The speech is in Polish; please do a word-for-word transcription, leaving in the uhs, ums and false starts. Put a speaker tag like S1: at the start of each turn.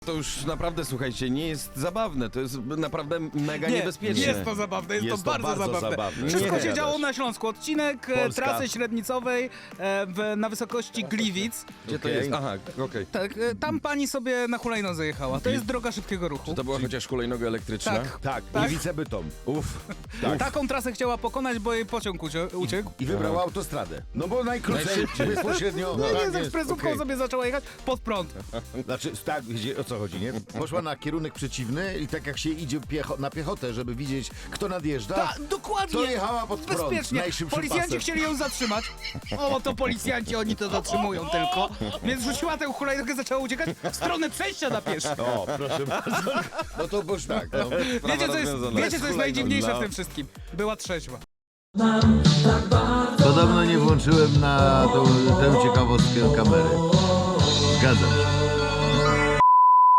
S1: To już naprawdę, słuchajcie, nie jest zabawne, to jest naprawdę mega
S2: Nie,
S1: niebezpieczne.
S2: jest to zabawne, jest,
S1: Jest
S2: to
S1: to
S2: bardzo,
S1: bardzo
S2: zabawne.
S1: zabawne.
S2: Wszystko
S1: Nie
S2: się działo
S1: gadasz.
S2: na Śląsku. Odcinek e,
S3: Polska.
S2: trasy średnicowej e, w, na wysokości Gliwic.
S1: Gdzie to
S3: Okej.
S1: jest? Aha, okej.
S2: Tak, e, tam pani sobie na hulajnodze jechała. To jest droga szybkiego ruchu.
S1: Czy to była chociaż hulajnoga elektryczna?
S2: Tak.
S3: Tak,
S2: Tak?
S3: Gliwice Bytom.
S1: Uff.
S3: Tak.
S2: Taką trasę chciała pokonać, bo jej pociąg ucie- uciekł.
S3: I wybrała autostradę. No bo najkrócej,
S1: Najszybciej.
S3: bezpośrednio.
S2: No
S3: tak
S2: nie, z
S3: jest,
S2: ekspresówką
S3: okej.
S2: sobie zaczęła jechać pod prąd.
S3: Znaczy, tak, gdzie, o co chodzi, nie? Poszła na kierunek przeciwny i tak jak się idzie piecho na piechotę, żeby widzieć, kto nadjeżdża,
S2: Ta, dokładnie.
S3: to jechała pod prąd,
S2: Bezpiecznie.
S3: najszybszym
S2: Policjanci
S3: pasem.
S2: chcieli ją zatrzymać. O, to policjanci, oni to zatrzymują tylko. Więc rzuciła tę hulajnogę, zaczęła uciekać w stronę przejścia na pieszych.
S3: O, proszę bardzo. No to boż tak, no.
S2: Wiecie, co jest,
S1: rozwiązana.
S2: wiecie, co jest
S1: Hulajnoga.
S2: najdziwniejsze w tym wszystkim? Była trzeźwa.
S4: Podobno nie włączyłem na tą, tę ciekawostkę kamery. Zgadzam się.